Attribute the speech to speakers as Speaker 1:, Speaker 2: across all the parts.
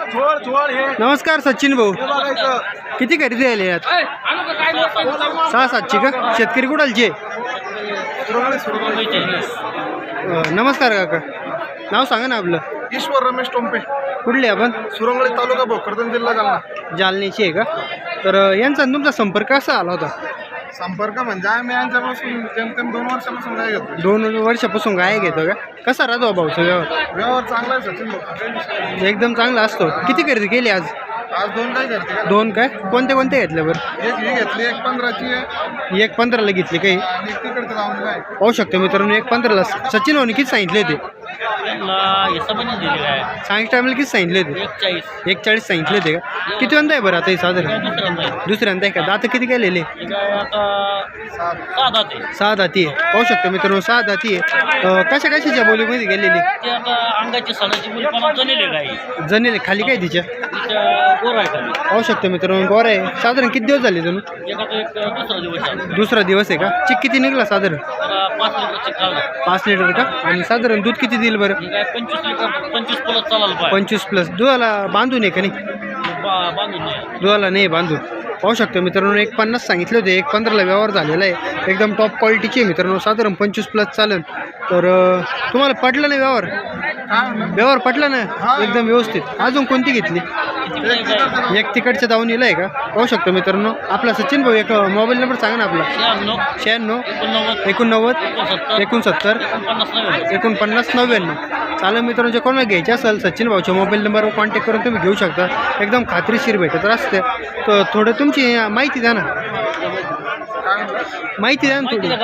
Speaker 1: नमस्कार सचिन भाऊ, किती खरेदी आली यात? 6-7ची का? शेतकरी कुडालचे? नमस्कार काका, नाव सांगा ना आपलं.
Speaker 2: ईश्वर रमेश टोंपे,
Speaker 1: कुठले आपण?
Speaker 2: सुरंगळी तालुका भोकरदन जिल्हा जालना.
Speaker 1: जालन्याची आहे का? तर यांचा आणि तुमचा संपर्क कसा आला होता?
Speaker 2: संपर्क म्हणजे आम्ही यांच्यापासून जेमतेम 2 वर्षापासून काय घेतो.
Speaker 1: 2 वर्षापासून गाय घेतो का? कसा राहतो भाऊचा व्यवहार?
Speaker 2: व्यवहार चांगला आहे सचिन भाऊ,
Speaker 1: एकदम चांगला असतो. किती खरेदी केली आज?
Speaker 2: आज 2 काय करते का?
Speaker 1: 2 काय? कोणते कोणते घेतले बरं?
Speaker 2: एक ही घेतली, एक 15ची आहे
Speaker 1: 1.15ला घेतली काही?
Speaker 2: आणि एक तिकडचं जाऊन काय
Speaker 1: पाहू शकतो मित्रांनो, 1.15ला. सचिन भाऊनी किती सांगितले होते? सांगितलं टायमाला किती सांगितले होते? 41 सांगितले होते का? किती वंदा आहे बरं आता हे साधारण? दुसऱ्यांदा आहे का? दात किती केलेले? 6 दाती आहे. पाहू शकतो मित्रांनो, 6 दाती आहे. कशाच्या बोलीमध्ये गेलेली?
Speaker 3: अंगाची सणाची मुली
Speaker 1: जनेले खाली काय तिच्या? पाहू शकतो मित्रांनो, गोर आहे. साधारण किती दिवस झाले तुम्ही? दुसरा दिवस आहे का? चिक किती निघला साधारण? 5 लिटर का? आणि साधारण दूध किती देईल बरं? 25 प्लस. दुधाला बांधून आहे का नाही? दुधाला नाही बांधून. पाहू शकतो मित्रांनो, 1.50 सांगितले होते, 1.15ला व्यवहार झालेला आहे. एकदम टॉप क्वालिटीची आहे मित्रांनो, साधारण 25 प्लस चालेल. तर तुम्हाला पटलं नाही व्यवहार? व्यवहार पटला ना एकदम व्यवस्थित? अजून कोणती घेतली? एक तिकडच्या दावणीला आहे का? पाहू शकतो मित्रांनो. आपला सचिन भाऊ एक मोबाईल नंबर सांगा ना आपला. 96 89 69 49 99. चालेल मित्रांनो, जे कोणाला घ्यायचे असेल सचिन भाऊच्या मोबाईल नंबरवर कॉन्टॅक्ट करून तुम्ही घेऊ शकता. एकदम खात्रीशीर भेटत असते. तर थोडं तुमची माहिती द्या ना, माहिती द्या ना थोडी.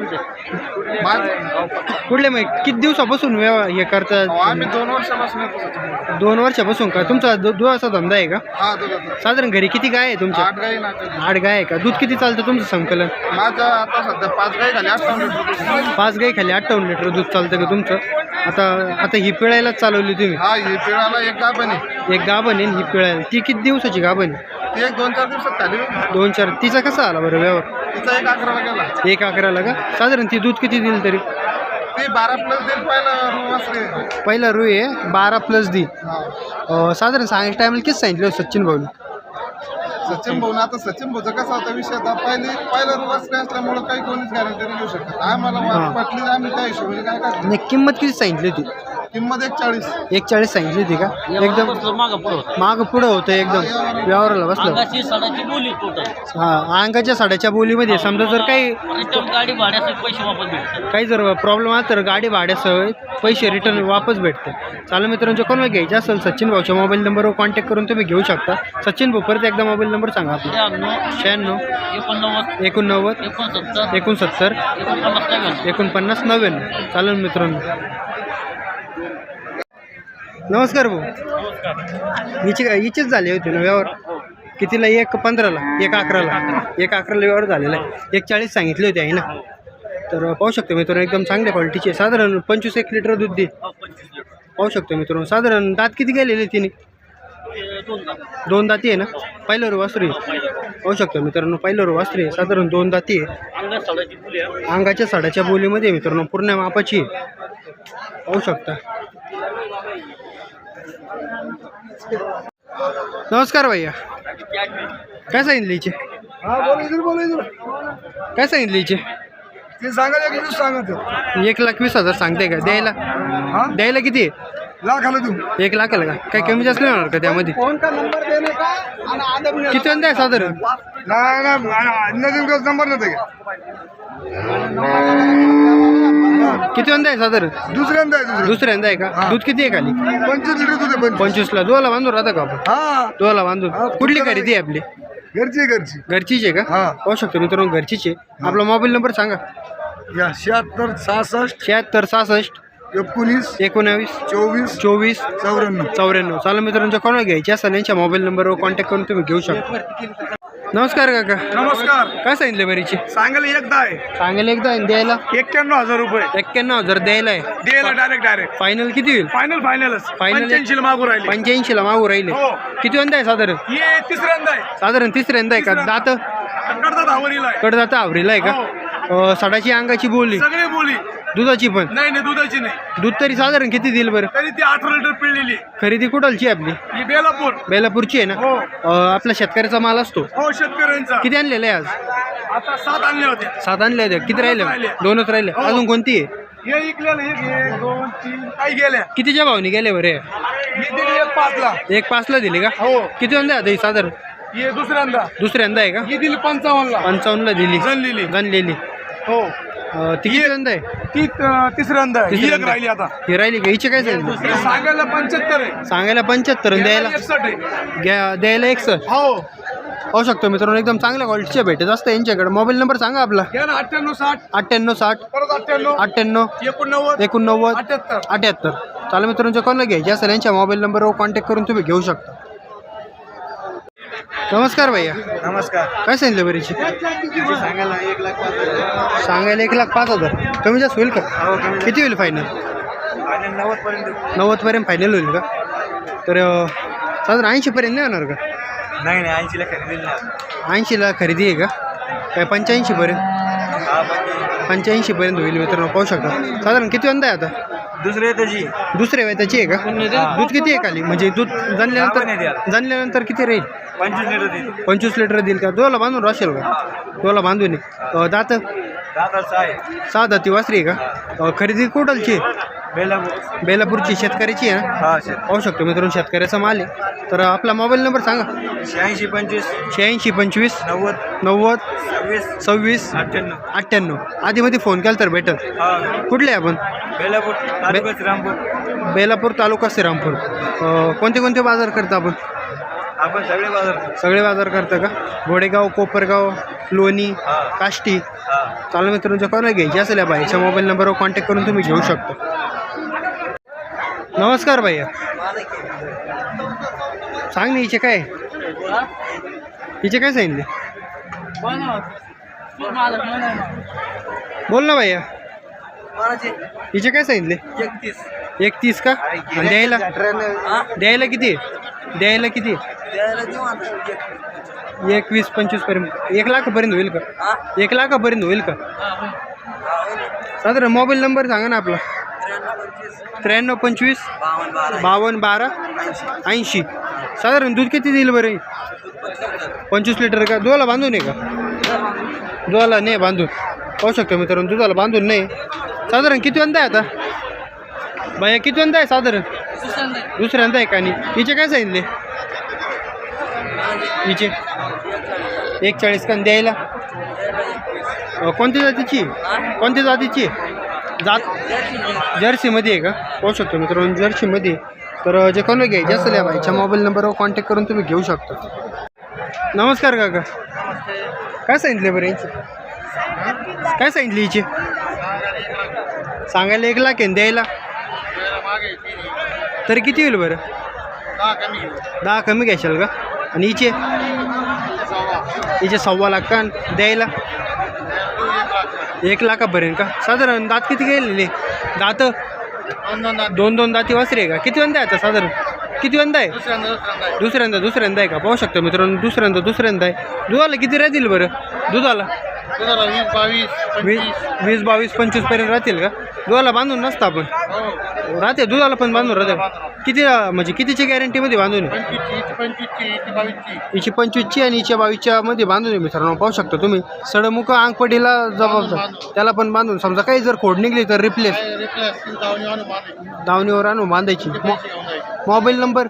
Speaker 1: कुठले मग किती दिवसापासून हे करतात?
Speaker 2: आम्ही 2 वर्षापासून येतो सचिन.
Speaker 1: 2 वर्षापासून का? तुमचा दुधाचा धंदा आहे का?
Speaker 2: हा दुधाचा.
Speaker 1: साधारण घरी किती गाय आहे तुमच्या?
Speaker 2: 8 गाई ना
Speaker 1: 8 गाय आहे का? दूध किती चालतं तुमचं संकलन?
Speaker 2: माझ्या आता सध्या 5 गाई झाली 58 लिटर.
Speaker 1: 5 गाई खाली 58 लिटर दूध चालतं का तुमचं? आता ही पिळायलाच चालवली तुम्ही?
Speaker 2: हा ही पिळाला एक गाभण आहे.
Speaker 1: एक गाभण आहे ही पिळायला. ती किती दिवसाची गाभण आहे?
Speaker 2: ती एक 2-4 दिवसात खाली.
Speaker 1: 2-4. तिचा कसा आला बरं व्यवहार?
Speaker 2: तिचा 1 11ला गेला.
Speaker 1: 1 11ला का? साधारण ती दूध किती देईल तरी?
Speaker 2: ती 12 प्लस देईल पहिला.
Speaker 1: पहिला रुई आहे, 12 प्लस दी.
Speaker 2: हा
Speaker 1: साधारण सांगायच्या टायमाला किती सांगितलं सचिन भाऊनी?
Speaker 2: सचिन भाऊ आता सचिन भाऊचा कसा होता विषय आता पहिला रुवासरी असल्यामुळे काही कोणीच गॅरंटी नाही घेऊ शकत. आम्हाला पटली आम्ही त्या हिशोबाने काय काय
Speaker 1: नाही, किंमत किती सांगितली होती?
Speaker 2: किंमत 140.
Speaker 1: 1.40 सांगितली होती का? एकदम मागं पुढं होतं एकदम व्यवहाराला बसलं. हां, अंगाच्या साड्याच्या बोलीमध्ये समजा जर
Speaker 3: गाडी भाड्याचे पैसे वापस भेटतात.
Speaker 1: काही जर प्रॉब्लेम आला तर गाडी भाड्यासह पैसे रिटर्न वापस भेटते. चालू मित्रांच्या कोणाला घ्यायचे असेल सचिन भाऊच्या मोबाईल नंबरवर कॉन्टॅक्ट करून तुम्ही घेऊ शकता. सचिन भाऊ परत एकदा मोबाईल नंबर सांगा आपला.
Speaker 3: 96
Speaker 1: 89 69 49 99. चालेल मित्रांनो. नमस्कार भाऊ, हिचीच झाली होती ना व्यवहार? कितीला? 1.15ला 1 11ला व्यवहार झालेला आहे. 1.40 सांगितले होते आहे ना? तर पाहू शकतो मित्रांनो, एकदम चांगल्या क्वालिटीचे. साधारण 25-1 लिटर दूध दे. पाहू शकतो मित्रांनो. साधारण दात किती गेलेले तिने? 2 दाती आहे ना? पहिलं रो वासरी. पाहू शकतो मित्रांनो, पहिलं रो वासरी आहे. साधारण 2 दाती आहे. अंगाच्या साड्याच्या बोलीमध्ये मित्रांनो पूर्ण मापाची आहे. पाहू शकता. नमस्कार भैया, काय सांगितले हिचे? काय सांगितले हिचे?
Speaker 2: ते सांगा 21 सांगत
Speaker 1: 1,20,000 सांगते का? द्यायला किती आहे?
Speaker 2: लाखाला तू
Speaker 1: 1 लाखाला का? काही कमी जास्त नाही होणार का त्यामध्ये?
Speaker 2: फोन का नंबर देणे का?
Speaker 1: किती वंदा आहे साधारण?
Speaker 2: नवीन नंबर नव्हते
Speaker 1: किती वंदा आहे साधारण?
Speaker 2: दुसऱ्यांदा
Speaker 1: आहे का? दूध किती आहे खाली?
Speaker 2: 25 लिटर दूध आहे.
Speaker 1: 25ला. दुधाला बांधून राहता का आपण?
Speaker 2: हा
Speaker 1: दुधाला बांधून. कुठली खरेदी आहे आपली? घरचीच आहे का? पाहू शकतो मित्रांनो, घरचीच आहे. आपला मोबाईल नंबर सांगा.
Speaker 2: 76 66
Speaker 1: 76 66
Speaker 2: 19
Speaker 1: 19
Speaker 2: 24
Speaker 1: 24
Speaker 2: 94.
Speaker 1: चालू मित्रांच्या कोणाला घ्यायची असेल यांच्या मोबाईल नंबरवर कॉन्टॅक्ट करून तुम्ही घेऊ शकता. नमस्कार काका,
Speaker 2: नमस्कार.
Speaker 1: काय सांगितले बरीची?
Speaker 2: सांगायला एकदा आहे,
Speaker 1: सांगायला एकदा आणि द्यायला
Speaker 2: 91,000 रुपये.
Speaker 1: 91,000 द्यायला आहे.
Speaker 2: द्यायला डायरेक्ट
Speaker 1: फायनल किती होईल?
Speaker 2: फायनलच
Speaker 1: फायनल
Speaker 2: 85 मागू राहिले.
Speaker 1: 85ला मागू राहिले.
Speaker 2: हो.
Speaker 1: किती वंदा आहे साधारण?
Speaker 2: हे तिसऱ्यांदा आहे.
Speaker 1: साधारण तिसऱ्यांदा आहे का? दात
Speaker 2: कडदात आवरीला आहे.
Speaker 1: कडदात आवरीला आहे का? सडाची अंगाची बोली
Speaker 2: सगळे बोली
Speaker 1: दुधाची पण
Speaker 2: नाही दुधाची नाही.
Speaker 1: दूध तरी साधारण किती देईल बरं?
Speaker 2: तरी ती 18 लिटर पिळलेली.
Speaker 1: खरेदी कुठलची आहे आपली?
Speaker 2: ही बेलापूर.
Speaker 1: बेलापूरची आहे ना?
Speaker 2: हो
Speaker 1: आपला शेतकऱ्याचा माल असतो.
Speaker 2: हो शेतकऱ्यांचा.
Speaker 1: किती आणलेला आहे आज?
Speaker 2: आता 7 आणले होते.
Speaker 1: 7 आणले होते. किती राहिले?
Speaker 2: राहिले.
Speaker 1: 2च राहिले. अजून कोणती आहे?
Speaker 2: हे इकलेलं 1 2 3 काही गेल्या.
Speaker 1: कितीच्या भावनी गेले बरे?
Speaker 2: मी दिली 1 5 ला.
Speaker 1: 1.5 ला दिली का?
Speaker 2: हो.
Speaker 1: किती वंदा आता ही साधारण?
Speaker 2: हे दुसऱ्यांदा.
Speaker 1: दुसऱ्यांदा आहे का?
Speaker 2: ही दिली 55 ला.
Speaker 1: 55 ला दिली.
Speaker 2: जनलेली.
Speaker 1: गणलेली.
Speaker 2: हो
Speaker 1: ती किती वंदा आहे?
Speaker 2: ती तिसऱ्यांदा आहे. ही एक राहिली आता.
Speaker 1: ही राहिली का? हिचे काय सांगितलं?
Speaker 2: हे सांगायला 75 आहे.
Speaker 1: सांगायला 75 आणि द्यायला
Speaker 2: 61 आहे.
Speaker 1: द्यायला 61.
Speaker 2: हो
Speaker 1: होऊ शकतो मित्रांनो. एकदम चांगल्या क्वालिटीच्या भेटत असतं यांच्याकडे. मोबाईल नंबर सांगा आपला.
Speaker 2: घ्या ना 98 60
Speaker 1: 98 60
Speaker 2: परत 98
Speaker 1: 98
Speaker 2: 89
Speaker 1: 89
Speaker 2: 78.
Speaker 1: 78. चालेल मित्रांनो, कोणाला घ्यायचे असेल यांच्या मोबाईल नंबरवर कॉन्टॅक्ट करून तुम्ही घेऊ शकता. नमस्कार भैया.
Speaker 2: नमस्कार.
Speaker 1: काय सांगितलं बरीची?
Speaker 2: सांगायला 1,05,000.
Speaker 1: सांगायला 1,05,000. कमी जास्त होईल का? किती होईल फायनल?
Speaker 2: 90 पर्यंत.
Speaker 1: 90 पर्यंत फायनल होईल का? तर साधारण 80 पर्यंत नाही होणार का?
Speaker 2: नाही 80 ला खरेदी नाही.
Speaker 1: 80 ला खरेदी आहे का? काय 85 पर्यंत? 85 पर्यंत होईल मित्रांनो. पाहू शकता. साधारण किती वंदा आहे आता?
Speaker 2: दुसरे त्याची.
Speaker 1: दुसऱ्या वेताची आहे का? दूध किती आहे खाली? म्हणजे दूध जाणल्यानंतर किती राहील?
Speaker 2: 25 लिटर देईल.
Speaker 1: 25 लिटर देईल का? दोला बांधून राहशील का? दोला बांधून आहे. दात?
Speaker 2: दादाचा आहे.
Speaker 1: 6 दाती वासरी आहे का? खरेदी कुठलची?
Speaker 2: बेलापूर.
Speaker 1: बेलापूरची. शेतकऱ्याची आहे ना?
Speaker 2: हा
Speaker 1: पाहू शकतो मित्रांनो, शेतकऱ्याचा माल आहे. तर आपला मोबाईल नंबर सांगा.
Speaker 2: 86 25
Speaker 1: 86 25
Speaker 2: 90
Speaker 1: 90
Speaker 2: 26
Speaker 1: 26
Speaker 2: 98.
Speaker 1: 98. आधीमध्ये फोन केला तर भेटत.
Speaker 2: हा
Speaker 1: कुठले आपण?
Speaker 2: बेलापूर तालुका श्रीरामपूर.
Speaker 1: बेलापूर तालुका श्रीरामपूर. कोणते कोणते बाजार करता आपण?
Speaker 2: आपण सगळे बाजार.
Speaker 1: सगळे बाजार करता का? घोडेगाव, कोपरगाव, लोणी, काष्टी. चालू मित्रांच्या कोणाला घ्यायची असेल या बाईच्या मोबाईल नंबरवर कॉन्टॅक्ट करून तुम्ही घेऊ शकता. नमस्कार भैया. सांग ना हिचे काय? हिचे काय सांगितले? बोल ना भैया. हिचे काय सांगितले? 31 का? आणि द्यायला? द्यायला किती? द्यायला किती? 21 25 पर्यंत. 1 लाखापर्यंत होईल का? 1 लाखापर्यंत होईल का? साधारण मोबाईल नंबर सांगा ना आपला. 93 25 52 12 80. साधारण दूध किती देईल बरं? 25 लिटर का? दुधाला बांधून आहे का? दुधाला नाही बांधून. पाहू शकतो मित्रांनो, दुधाला बांधून नाही. साधारण किती वंदा आहे आता भैया? किती वंदा आहे साधारण? दुसऱ्यांदा आहे का? आणि हिचे काय सांगितले? हिचे 41 का? द्यायला कोणत्या जातीची? कोणत्या जातीची जात? जर्सीमध्ये आहे का? पाहू शकतो मित्रांनो, जर्सीमध्ये. तर जे कोणाला घ्यायचे असेल या बाईच्या मोबाईल नंबरवर कॉन्टॅक्ट करून तुम्ही घेऊ शकता. नमस्कार काका. काय सांगितले बरं यांचे? काय सांगितले हिचे? सांगायला 1 लाख आहे. द्यायला तरी किती होईल बरं? 10 कमी घ्यायशाल का? आणि हिचे? हिचे 1.25 लाख का? द्यायला 1 लाखापर्यंत का? साधारण दात किती गेलेले? दात 2 दाती वासरी आहे का? किती वंदा आहे आता साधारण? किती वंदा आहे? दुसऱ्यांदा आहे का? पाहू शकतो मित्रांनो, दुसऱ्यांदा आहे. दुधाला किती राहतील बरं? दुधाला 20 22 25 पर्यंत राहतील का? दुधाला बांधून नसतं आपण? राहते दुधाला पण बांधून राहते. किती म्हणजे कितीची गॅरंटीमध्ये बांधून आहे? हिची 25ची आणि हिच्या 22च्या मध्ये बांधून आहे मित्रांनो. पाहू शकता तुम्ही. सडमुख अंगपटीला जबाबदार त्याला पण बांधून. समजा काही जर खोड निघली तर रिप्लेस दावणीवर आणून बांधायची. Mobile number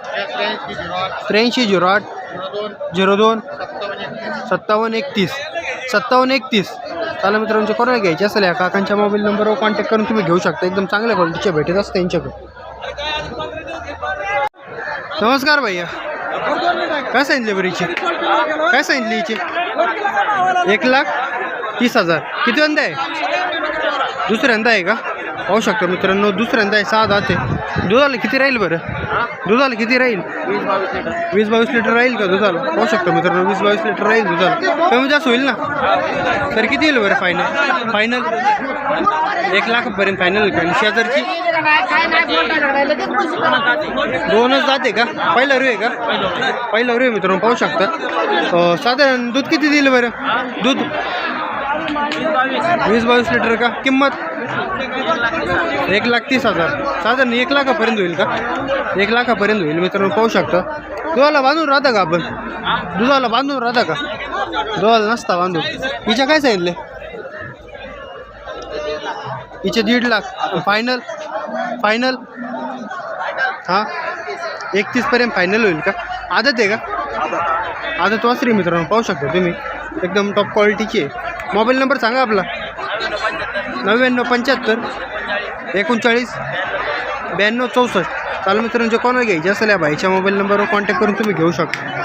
Speaker 1: 83 08 02 57 31. चालेल मित्रांनो, कोणाला घ्यायचे असेल या काकांच्या मोबाईल नंबरवर कॉन्टॅक्ट करून तुम्ही घेऊ शकता. एकदम चांगल्या क्वालिटीच्या भेटत असते यांच्याकडे. नमस्कार भैया. काय सांगितले बरं हिचे? काय सांगितले हिचे? 1,30,000. किती वंदा आहे? दुसऱ्यांदा आहे का? पाहू शकतो मित्रांनो, दुसऱ्यांदा आहे. 6 दात आहे. दुधाला किती राहील बरं? दुधाला किती राहील? 20 22 लिटर राहील का दुधाला? पाहू शकतो मित्रांनो, 20 22 लिटर राहील दुधाला. कमी जास्त होईल ना? तर किती येईल बरं फायनल? 1 लाखापर्यंत फायनल होईल का? आणि शेजारची 2च जाते का? पहिला रू आहे का? पहिला रू आहे मित्रांनो. पाहू शकता. साधारण दूध किती दिलं बरं? दूध 20 22 लिटर का? किंमत 1,30,000 साधारण 1 लाखापर्यंत होईल का? 1 लाखापर्यंत होईल मित्रांनो, पाहू शकता. दुधाला बांधून राहता का आपण? दुधाला बांधून राहता का? दुधाला नसता बांधून. हिच्या काय सांगितले? हिचे 1.5 लाख. फायनल फायनल हां 31 पर्यंत फायनल होईल का? आदत आहे का? आदत वासरी मित्रांनो, पाहू शकता तुम्ही, एकदम टॉप क्वालिटीची आहे. मोबाईल नंबर सांगा आपला. 9975 39 92 64. चालू मित्रांनो, जे कोणाला घ्यायचे असेल या भाईच्या मोबाईल नंबरवर कॉन्टॅक्ट करून तुम्ही घेऊ शकता.